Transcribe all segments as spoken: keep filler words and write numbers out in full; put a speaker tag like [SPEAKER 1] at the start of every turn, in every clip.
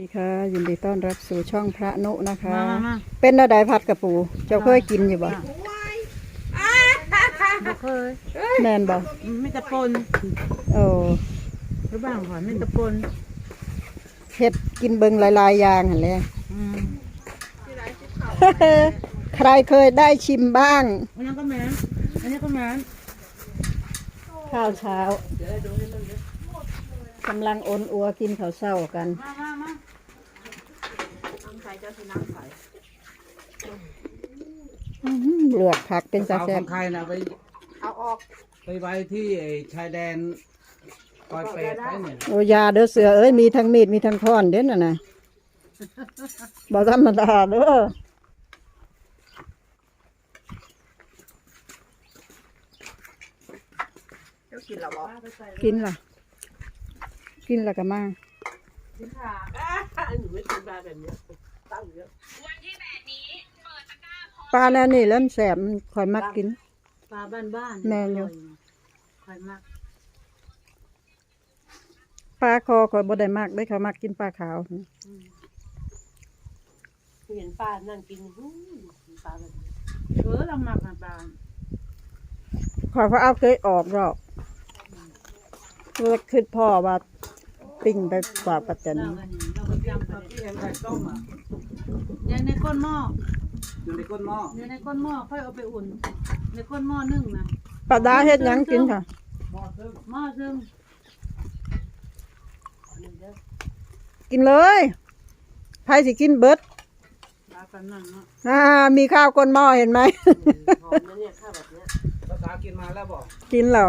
[SPEAKER 1] ดีค่ะยินดีต้อนรับสู่ช่องพระนุนะคะ
[SPEAKER 2] มามามา
[SPEAKER 1] เป็นอะไรผัดกระปูเจ้าเคยกินอยู่บ่
[SPEAKER 2] บ่เคย
[SPEAKER 1] แม่นบ่
[SPEAKER 2] ไม่ตะปน
[SPEAKER 1] โอ้
[SPEAKER 2] หรือบ้างก่อนไม่ตะปน
[SPEAKER 1] เฮ็ดกินเบิงหลายๆอย่างหั่นแหละ
[SPEAKER 2] อืม
[SPEAKER 1] ใครเคยได้ชิมบ้าง
[SPEAKER 2] อันนี้ก็แม่นอันนี้ก็แม่น
[SPEAKER 1] ข้าวเช้ากำลังโอนอัวกินข้าวเช้ากัน
[SPEAKER 2] มามามา
[SPEAKER 1] อื้อหือเลือกผักเป็นตา
[SPEAKER 3] สาว
[SPEAKER 1] แซ่
[SPEAKER 3] ข
[SPEAKER 1] บ
[SPEAKER 3] องใครนะไปเอาออกไปไว้ที่ไอ้ชายแดนปอยเปรตไปเนี่ย
[SPEAKER 1] โอ้ยาเด้อเสือเอ้ยมีทั้งมีดมีทั้งค้อนเด้อน่ะนะบ่ธรรมดาเด้อ
[SPEAKER 4] กินแล้วบ่
[SPEAKER 1] กินล่ะ กินแล้วก็มา
[SPEAKER 4] อันนี้ไม่กินปลาแบบนี้ตั้งเยอะ
[SPEAKER 1] ปลาแล้วนี่เริ่มแสบมันคอยมักกิน
[SPEAKER 2] ปลาบ้านบ้าน
[SPEAKER 1] แม่นอยู่
[SPEAKER 2] คอยมาก
[SPEAKER 1] ปลาคอคอยบ่ได้มากได้เขามักกินปลาขาว
[SPEAKER 4] เห็นปลานั่งกินหูปลาแบบ
[SPEAKER 2] เออเราหมักนะปลา
[SPEAKER 1] ขอยพระเอาเคยออกหรอกว่าคือพ่อว่าปิ้งไปฝากปัจจัน
[SPEAKER 2] เรากันเราก็จำไป
[SPEAKER 3] ที่เห็นไข่ต้มอ่ะ
[SPEAKER 2] ยังในก้นหม้อ
[SPEAKER 3] อยู่ในก้นหม้อ
[SPEAKER 2] ยังในก้นหม้อค่อยเอาไปอุ่น ในก้นหม้อนึ่งนะ
[SPEAKER 1] ปลาดาเฮ็ดหยังกินค่ะ
[SPEAKER 3] หม้อซึ่ง
[SPEAKER 2] หม้อซึ่ง
[SPEAKER 1] กินเลยไผสิกินเบิด
[SPEAKER 2] ปลากันนั่นเนาะ
[SPEAKER 1] อ่ามีข้าวก้นหม้อเห็นไหม
[SPEAKER 4] หอมนะเนี่ยข้าวแบบเนี้ย
[SPEAKER 3] ภาษากินมาแล้วบอก
[SPEAKER 1] กินแล้ว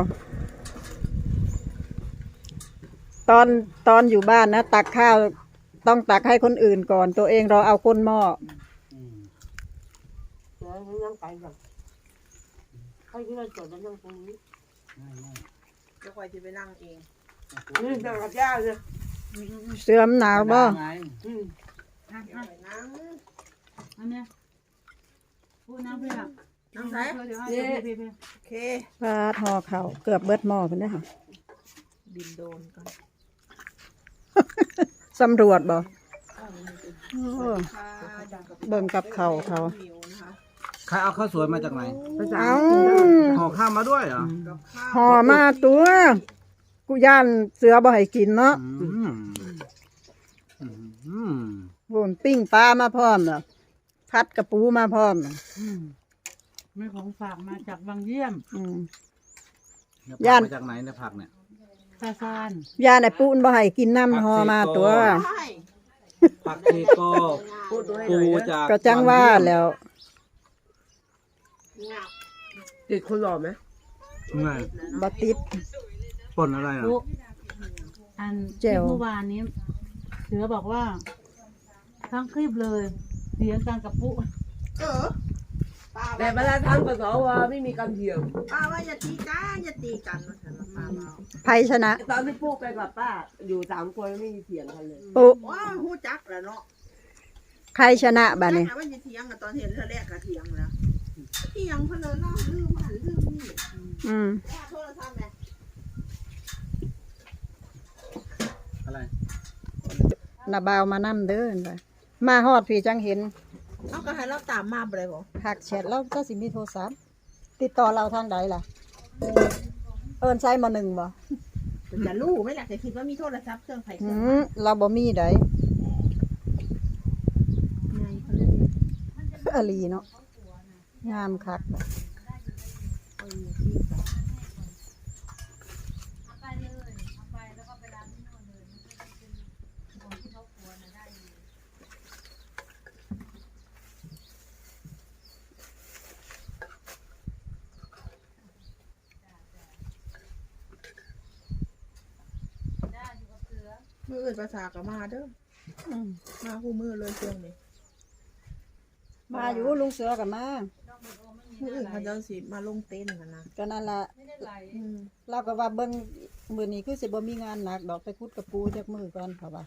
[SPEAKER 1] ตอนตอนอยู่บ้านนะตักข้าวต้องตักให้คนอื่นก่อน ตัวเองเราเอาก้นหม้อ
[SPEAKER 3] อืม
[SPEAKER 4] เดี๋ยวนั่งไปก่อนให้ที่เราจดแล้วนั่งตรงนี้
[SPEAKER 3] ง่ายง่าย
[SPEAKER 4] เดี๋ยวคอยจะไปนั่งเองนี่เดี๋ยวกับย่าเลย
[SPEAKER 1] เสื้อมหนาวบ่
[SPEAKER 3] ไง
[SPEAKER 4] อืม
[SPEAKER 2] อ่ะ
[SPEAKER 4] เดี๋ยว
[SPEAKER 2] อ่ะ
[SPEAKER 4] ไปนั่ง
[SPEAKER 2] อันเนี้ยพูดน้ำเพื่อ
[SPEAKER 4] นั่งไหน
[SPEAKER 2] เดี๋ยวให้
[SPEAKER 4] เย้
[SPEAKER 2] เพื่อนเพื่อน
[SPEAKER 4] โอเค
[SPEAKER 1] ปลาทอเขาวเกือบเบิดหม้อพุ่นเด้อค่ะ
[SPEAKER 4] บินโดนก่อน
[SPEAKER 1] สำรวจบ่
[SPEAKER 4] อ้าว
[SPEAKER 1] โอ้
[SPEAKER 4] ค่ะดังกับ
[SPEAKER 1] เบิ่งกับเขาวเขา
[SPEAKER 4] มิวนะคะ
[SPEAKER 3] ใครเอาข้าวสวยมาจากไหน
[SPEAKER 1] เอา
[SPEAKER 3] ห่อข้าวมาด้วยเหรอ
[SPEAKER 4] กับข้าว
[SPEAKER 1] ห่อมาตัว กูย่านเสือบ่ให้กินเนาะ
[SPEAKER 3] อืมอืม
[SPEAKER 1] โวนปิ้งปลามาพร้อมเนาะพัดกระปูมาพร้อมน่ะ
[SPEAKER 2] อืมมีของฝากมาจากบางเยี่ยม
[SPEAKER 1] อืม
[SPEAKER 3] แล้ว
[SPEAKER 1] ย่าน
[SPEAKER 3] ผักมาจากไหนเนี่ยผักเนี่ย
[SPEAKER 2] ซาซาน
[SPEAKER 1] ย่านไอ้ปูนบ่ให้กินน้ำห่อมาตัว
[SPEAKER 4] ใช่
[SPEAKER 3] ผักชีโก้
[SPEAKER 4] พูดด้วย
[SPEAKER 3] ปู
[SPEAKER 4] เลย
[SPEAKER 3] จาก
[SPEAKER 1] ก็จังว่าแล้ว
[SPEAKER 4] ติดคนหล่อไหม
[SPEAKER 3] ไง
[SPEAKER 1] บ่ติด
[SPEAKER 3] ป่นอะไรอ่ะ
[SPEAKER 2] ปุ๊อัน
[SPEAKER 1] แจ่ว
[SPEAKER 2] ที่เมื่อวานนี้ เสือบอกว่า ทั้งคลิปเลยเสียงกันกับปุ๊
[SPEAKER 4] เออ
[SPEAKER 5] แต่เวลาทำกับสวไม่มีการเถียง
[SPEAKER 4] ป้าว่าอย่าตีกันอย่าตีกันมาฉันมาป้าเรา
[SPEAKER 1] ไผชนะ
[SPEAKER 5] ตอนที่ปุ๊ไปกับป้า อยู่สามคนไม่มีเถียงกันเลย
[SPEAKER 1] ปุ
[SPEAKER 4] ว้าวหูจักแล้วเนาะ
[SPEAKER 1] ใครชนะบัดนี้
[SPEAKER 4] ถามว่าจะเถียงกันตอนเห็นเธอแรกก็เถียงแล้วเถียงเพนเลยเนาะลืมหันลืมนี่
[SPEAKER 1] อืม
[SPEAKER 4] แม่โทรศัพท์แม่
[SPEAKER 3] อะไร
[SPEAKER 1] นาบาวมานํเด้อน่ะมาฮอดพี่จังเห็น
[SPEAKER 4] เอาก็ให้เราตามมาบ่ได้บ่
[SPEAKER 1] หักแชทเราเจ้าสิมีโทรศัพท์ติดต่อเราทางใดล่ะ เอิ้นใช้มาหนึ่งบ่
[SPEAKER 4] จะรู้ไหมล่ะจะคิดว่ามีโทรศัพท์เครื่องไผเค
[SPEAKER 1] หื
[SPEAKER 4] รื่อง
[SPEAKER 1] มเราบ่มีใด
[SPEAKER 4] ในเขาเล่น
[SPEAKER 1] อลีเนาะงามคัก
[SPEAKER 4] มืออื่นภาษาก็มาเด้อ
[SPEAKER 1] อืม
[SPEAKER 4] มาคู่มือเลยเครื่องนี้
[SPEAKER 1] มาอยู่ลุงเสือกับมา
[SPEAKER 4] มืออื่นเขาเจ้าสิมาลงเต้นกันนะ
[SPEAKER 1] ก็นั่นละ
[SPEAKER 4] อืม
[SPEAKER 1] เราก็ว่าเบิ่งมื้อนี้คือสิบ่มีงานหนักดอกไปคุดกระปูจักมือก่อนเขาว่า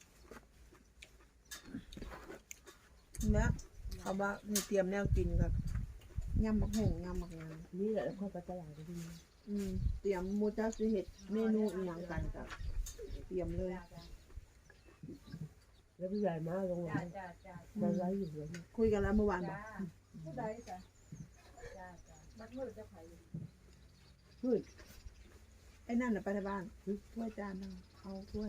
[SPEAKER 4] เนี่ยเขาว่านี่เตรียมแนวกินกับยำบักหงยำบักงาน
[SPEAKER 5] นี่แหละค่อยไปตลาดก็ดี
[SPEAKER 4] อืมเตรียมหมูเจ้าสิเฮ็ดเมนูอีหยังกันกับเตรียมเลย
[SPEAKER 5] แล้วพี่ใหญ่มาลงไลน์เราไลฟ์อยู่เลย
[SPEAKER 4] คุยกันแล้วเมื่อวานบอก
[SPEAKER 2] ผู้ใดจ้ะจ้าจ้าบัดมืดจะไผ
[SPEAKER 5] ช่วย
[SPEAKER 4] ไอ้นั่นน่ะไปที่บ้านถ้วยจานนึงเอาถ้วย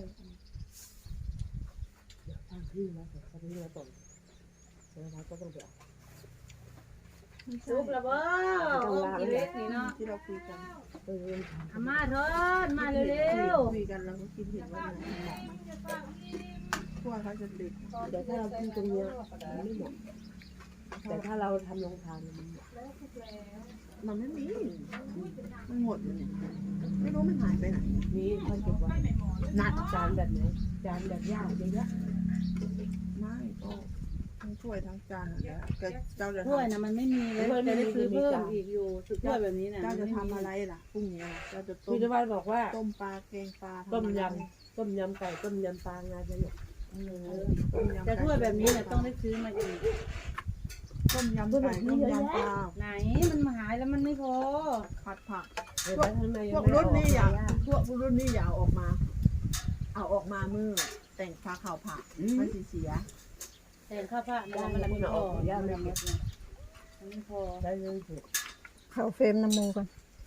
[SPEAKER 5] เดี๋ยวทางพี่นะเดี๋ยวทางพี่มาส่งเดี๋ยวเราก็ต้องเดี๋ยว
[SPEAKER 2] ซุปละบ่โอ้กิเล็กนี่เนาะ
[SPEAKER 4] ที่เราคุยกัน
[SPEAKER 5] ไปเรียน
[SPEAKER 2] อามาเถิดมาเร็ว
[SPEAKER 4] คุยกันแล้วก็คิดเห็นว่ามันเหมาะไหมพวกเขาจะติด
[SPEAKER 5] เดี๋ยวถ้าเรากินตรงเนี้ยมันไม่เหมาะแต่ถ้าเราทำโรงทานมันเหมาะ
[SPEAKER 4] มันไม่มีมันหมดเลยเนี่ยไม่รู้มันหายไปไหน
[SPEAKER 5] นี่ค่อยเก็บไว้
[SPEAKER 4] นัด
[SPEAKER 5] จานแบบไหนจานแบบยากเยอะ
[SPEAKER 4] ไม่ก็ทั้งถ้วยทั้งจานนั่นแหละแต่เจ้าจะ
[SPEAKER 2] ๆถ้วย
[SPEAKER 4] ทำ
[SPEAKER 2] น่ะมันไม่มีเลยจะได้ซื้อเพิ่มอีกอยู่ถ้วยแบบนี้น่ะ
[SPEAKER 4] เจ้าจะทำอะไรล่ะพรุ่งนี้เจ้าจะ
[SPEAKER 5] ๆ
[SPEAKER 4] ต้
[SPEAKER 5] พี่
[SPEAKER 4] ม
[SPEAKER 5] ตะวันบอกว่า
[SPEAKER 4] ต้มปลาแกงปลา
[SPEAKER 5] ต้ม
[SPEAKER 4] ทำอะไร
[SPEAKER 5] ยำต้มยำไก่ต้มยำปลางานจะเนี่ย
[SPEAKER 4] เออต้มยำ
[SPEAKER 2] แต่ถ้วยแบบนี้น่ะต้องได้ซื้อมาอีก
[SPEAKER 4] ต้มยำไก่ต้มยำปลา
[SPEAKER 2] ไหนมันมาหายแล้วมันไม่พอ
[SPEAKER 4] ผัดผัก
[SPEAKER 5] เห็นไหมข้างใน
[SPEAKER 4] พ
[SPEAKER 5] ยั
[SPEAKER 4] ว
[SPEAKER 5] ง
[SPEAKER 4] ก
[SPEAKER 5] ไม่
[SPEAKER 4] รุ่น
[SPEAKER 5] ออก
[SPEAKER 4] นี้อย่าพวกรุ่นนี้อย่าเอาออกมา เอาออกมามือแต่งฟ้าขาวผักมันสีเสีย
[SPEAKER 2] แต่ข้าวผัดมันมันไม่พอย่ามันไม่พอมันไม่พอ
[SPEAKER 5] ได้เลยเถอะ
[SPEAKER 1] เข้าเฟรมน้ำมูกัน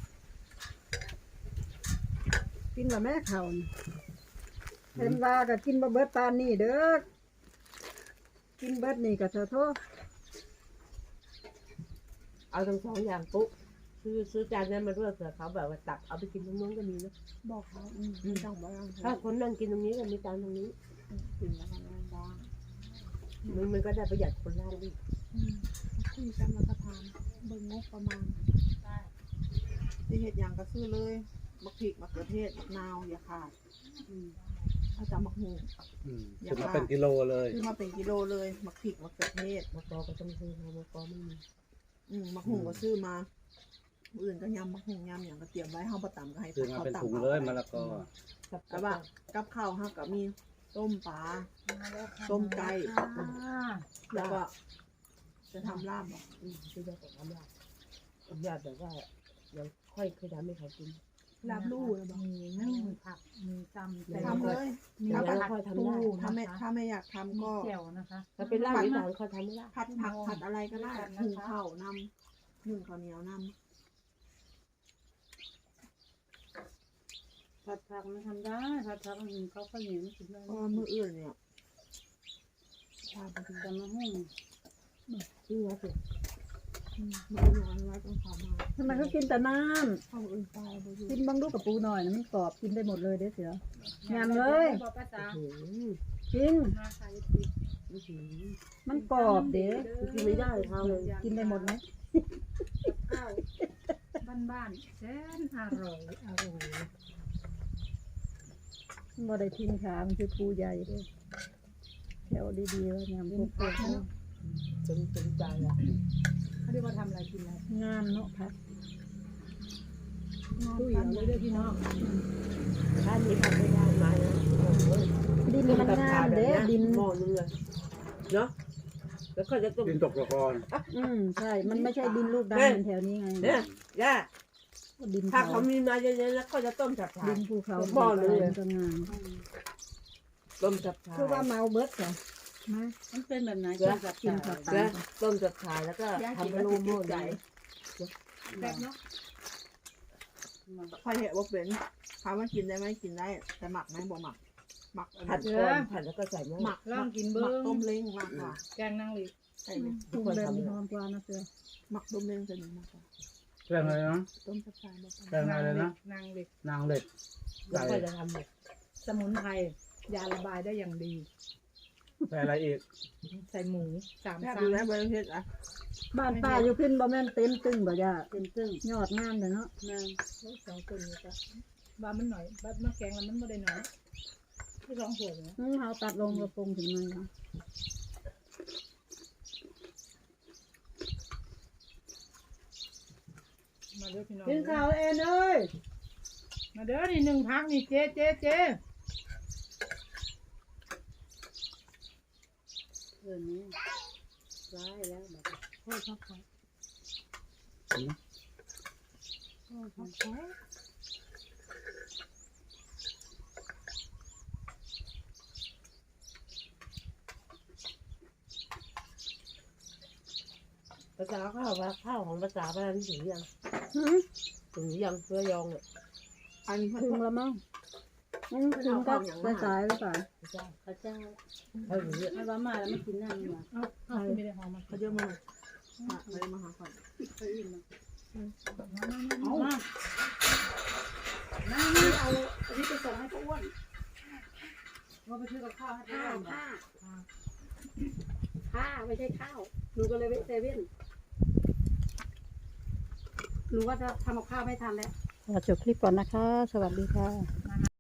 [SPEAKER 1] กินกับแม่เขาน่ะเห็นว่าก็กินบะเบิดปานนี่เด้อกินเบิดนี่ก็เถอะโทษ
[SPEAKER 5] เอาทั้งสองอย่างปุ๊บซื้อซื้อจานนั้นมาด้วยเผื่อเขาแบบว่าตักเอาไปกินตรงนู้นก็มีนะ
[SPEAKER 4] บอกเขาอืมไม่ต้องบ้าง
[SPEAKER 5] ถ้าคนนั่งกินตรงนี้ก็มีจานตรงนี้
[SPEAKER 4] กินแล้วก็นั่งบ้าง
[SPEAKER 5] มันมันก็ได้ประหยัดคนล่างอีก
[SPEAKER 4] อืมคุยกันแล้วก็ทานเบิ่งงบประมาณที่เห็ดอย่างก็ซื้อเลยมะพริกมะเขือเทศมะนาวอย่าขาดอืมถ้าจะมะฮู
[SPEAKER 3] อืมซื้อมาเป็นกิโลเลย
[SPEAKER 4] ซื้อมาเป็นกิโลเลยมะพริกมะเขือเทศ
[SPEAKER 5] มะกอก็ต้องซื้อมามะกอไม่มี
[SPEAKER 4] อืมมะฮูก็ซื้อมาอื่นก็ยำมะฮูยำอย่างก็เตรียมไว้ห้องประตำก็ให้
[SPEAKER 3] ซื้อมาเป็น
[SPEAKER 4] ข
[SPEAKER 3] ถุง
[SPEAKER 4] ตำ
[SPEAKER 3] เลยมะละกอ
[SPEAKER 5] กับ
[SPEAKER 4] แต่ว่ากับข้าวห้าก็มีต้มปลา ต้มไก่ แล้วก็ จะทำลาบอ่ะ
[SPEAKER 5] อืมซื้อได้ของทำยากทำยากแบบว่ายังค่อยเคยทำให้เขากิน
[SPEAKER 4] ลาบลู่นะบอก
[SPEAKER 2] มีนึ่งผักมีจำแต่
[SPEAKER 4] ทำเลย
[SPEAKER 2] มี
[SPEAKER 5] แล้ว
[SPEAKER 2] ผัด
[SPEAKER 5] ค่อยทำ
[SPEAKER 2] ตู้
[SPEAKER 5] ได้
[SPEAKER 4] ถ้าไม่
[SPEAKER 2] นะคะ
[SPEAKER 4] ถ้าไม่อยากทำ
[SPEAKER 2] มี
[SPEAKER 4] ก็
[SPEAKER 2] แจ่วนะคะ
[SPEAKER 5] ถ้าเป็นลาบอีสานเขาทำไม่ได้
[SPEAKER 4] ผัดผักผัดอะไรก็ได้หุงข้าวนำนึ่งข้าวเหนียวนำ
[SPEAKER 2] ผัดผักมันทำได้ผัดผักมันเขาก็เหนียวไม่กินได้
[SPEAKER 4] เพราะว่ามืออื่นเนี่ยชาบดี
[SPEAKER 2] แต่มาหุ้ง
[SPEAKER 5] ซื้อมาสิ
[SPEAKER 4] มืออื่นอะไรต้องทำมา
[SPEAKER 1] ทำไมเขากินแต่น้
[SPEAKER 4] ข้าวอื่นตายไปดู
[SPEAKER 1] ำกินบางลูกกับปูหน่อยนะมันกรอบกินได้หมดเลยเด้อเสือยำเลย
[SPEAKER 2] บอกภาษา
[SPEAKER 5] โอ้โห
[SPEAKER 1] กิน
[SPEAKER 2] มาใส่
[SPEAKER 5] อื้อหือ
[SPEAKER 1] มันกรอบเด้
[SPEAKER 5] กินไม่ได้เขาเลย
[SPEAKER 1] กินได้หมดไหม
[SPEAKER 2] ข้าวบ้านๆแสนอร่อยอร่อย
[SPEAKER 1] มันบ่ได้ทิ้งขามันคือปูใหญ่เด้อแถวดีๆว่ายำพวกพวกเนาะ
[SPEAKER 5] เป็นเป็นใจอ่ะ
[SPEAKER 2] เขาเรียกว่าทำอะไรกินอะไร
[SPEAKER 1] งามเนาะพัก
[SPEAKER 2] ตู้เหี่ยวเลยเด้อพี่น้อง
[SPEAKER 5] ถ้ามีทำไม่ได้มานะโอ้โห
[SPEAKER 1] ดินมันงามเด้ดิน
[SPEAKER 5] หม้อนึงเลยเนาะแล้วก็จะต้ม
[SPEAKER 3] กินตกตะกอน
[SPEAKER 1] อืมใช่ มันไม่ใช่ดินลูกดำ
[SPEAKER 5] เฮ้ย
[SPEAKER 1] เหมือนแถวนี้ไง
[SPEAKER 5] เนี่ยย่า
[SPEAKER 1] ดิน
[SPEAKER 5] ถ้า
[SPEAKER 1] เขา
[SPEAKER 5] เขามีมาเยอะๆแล้วก็จะต้มจับฉ่า
[SPEAKER 1] ดินภูเขา
[SPEAKER 5] หม้อเลย
[SPEAKER 1] มันก็งาม
[SPEAKER 5] ต้มจับฉ่า
[SPEAKER 1] คือว่าเมาเบิดจ้ะมา
[SPEAKER 2] มันเป็นแบบไหน
[SPEAKER 5] เดี๋ยว
[SPEAKER 2] จับ
[SPEAKER 1] กิน
[SPEAKER 2] จั
[SPEAKER 1] ผั
[SPEAKER 2] บ
[SPEAKER 1] ก
[SPEAKER 5] แล้วต้มจับฉ่าแล้วก็
[SPEAKER 4] ย่ากิน
[SPEAKER 5] ทำ
[SPEAKER 4] แล้ว
[SPEAKER 5] โล
[SPEAKER 4] ติด
[SPEAKER 5] โม่
[SPEAKER 4] ใจ
[SPEAKER 5] ใจ
[SPEAKER 2] แบบเนาะ
[SPEAKER 4] ใครเห็นว่าเป็นถามว่ากินได้ไหมกินได้ แต่หมักไหมบ่หมัก หมักอัน
[SPEAKER 5] ผัด
[SPEAKER 4] นี้
[SPEAKER 5] ก่อนผัดแล้วก็ใส่หม้อ
[SPEAKER 4] หมัก
[SPEAKER 2] ลองกิน
[SPEAKER 4] ห
[SPEAKER 2] เบิ้
[SPEAKER 4] มัก
[SPEAKER 2] ง
[SPEAKER 4] ต้มเล้งมากกว่า
[SPEAKER 2] แกงนางหลี
[SPEAKER 4] ใช่ไหม
[SPEAKER 1] ปรุงแบบนี้หอมกว่านะเสือ
[SPEAKER 4] หมักต้มเล้งจะดีมากกว่า
[SPEAKER 3] แป้งอะไรนะ
[SPEAKER 4] ต้มกระชายบ่
[SPEAKER 3] แป้งอะไรนะ
[SPEAKER 2] นางหลี
[SPEAKER 3] นางเหล็ก
[SPEAKER 5] แล้วก็จะทำเนี่ย
[SPEAKER 2] สมุนไพรยาระบายได้อย่างดี
[SPEAKER 3] ใส่อะไรอีก
[SPEAKER 2] ใส่หมูสาม
[SPEAKER 4] แซ่บ
[SPEAKER 2] ชั้
[SPEAKER 4] ดู
[SPEAKER 2] น
[SPEAKER 4] แลบริเวณอ่ะ
[SPEAKER 1] บ้านป้าอยู่ขึ้นบ่แม่นเต็มตึ้งบ่ย่า
[SPEAKER 2] เป็นซึ่ง
[SPEAKER 1] ยอดงามเลยเนาะ
[SPEAKER 2] นางสองคนนี้จ้ะว่ามันหน่อยบ้านมาแกงแล้วมันไม่ได้หน่อยที่สองส่วนนะ
[SPEAKER 1] อืมเขาตัดลงกระโปรงถึงมันเนาะ
[SPEAKER 2] มาเด้อพี่น้อง
[SPEAKER 1] กินข้าวเองเอ้ย
[SPEAKER 2] มาเด้อนี่หนึ่งพักนี่เจ๊เจ๊เจ๊เออนี่ร้ายแล้วแบบโอ้ยพักผ่อนโอ้ยพักผ่อน
[SPEAKER 5] ภาษาข้าวว่าข้าวของภาษาพนันถึงยัง
[SPEAKER 1] หืม
[SPEAKER 5] ถึงยังเพื่อยองเนี่ย
[SPEAKER 4] อันนี้มัน
[SPEAKER 1] ถึงแล้วมั้งอืมถึงก็สายๆหรือเปล่า
[SPEAKER 5] พระเจ้า
[SPEAKER 2] พระเจ้า
[SPEAKER 5] เขาถึงเนี่ย
[SPEAKER 2] เอาว่ามาแล้วไม่กินน้ำนี่หว่า
[SPEAKER 4] เอาไม่ได้หอมมาเขาเยอะมากมาเลยมาหาก่อน
[SPEAKER 2] เขาอิ่มอ่ะ
[SPEAKER 4] เอา
[SPEAKER 2] มา
[SPEAKER 1] น้านี่เอาอันนี้ไปส่งให้ป้าอ้วน
[SPEAKER 2] ว่าไปซื้อกับข้าวให้
[SPEAKER 1] ผ้า
[SPEAKER 2] ป้าอ้วน
[SPEAKER 1] ผ้าผ้าไม่ใช่ข้าวหนูก็เลยไปเซเว่นหนูก็จะทำกับข้าวไม่ทันแล้วขอจบคลิปก่อนนะคะ สวัสดีค่ะ